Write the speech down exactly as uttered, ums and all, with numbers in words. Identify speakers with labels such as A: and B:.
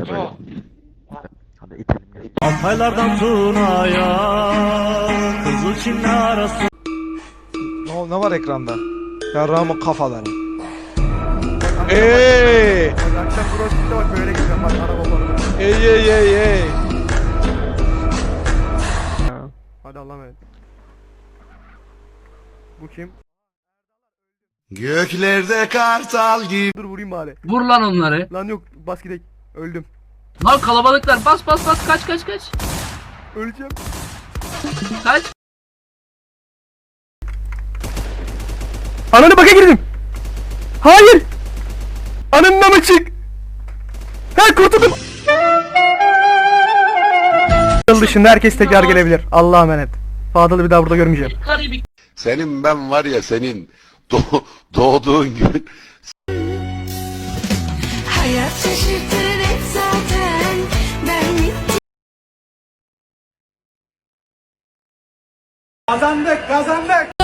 A: böyle. Hadi itelim gel.
B: Altaylardan Tuna'ya Kızılçin'le arası.
C: Ne, ne var ekranda? Yarrağımın kafaları. Eee!
D: Akşam crossfit'te bak böyle gideceğim bak araba falan.
C: Ey ey ey ey!
D: Hadi Allah'a emanet. Bu kim?
E: Göklerde kartal gibi.
D: Dur vurayım bari.
F: Vur lan onları.
D: Lan yok bas gidelim. Öldüm.
F: Lan kalabalıklar bas bas bas kaç kaç kaç.
D: Öleceğim.
F: Kaç.
D: Ananı baka girdim. Hayır. Ananın mı çık? Ha kurtuldum. Yıl dışında herkes tekrar gelebilir. Allah'a emanet. Fadıl'ı bir daha burada görmeyeceğim.
F: Karibik.
E: Senin ben var ya senin doğ- doğduğun gün
G: Hayat şaşırtır hep zaten. Ben bittim.
D: Kazandık kazandık.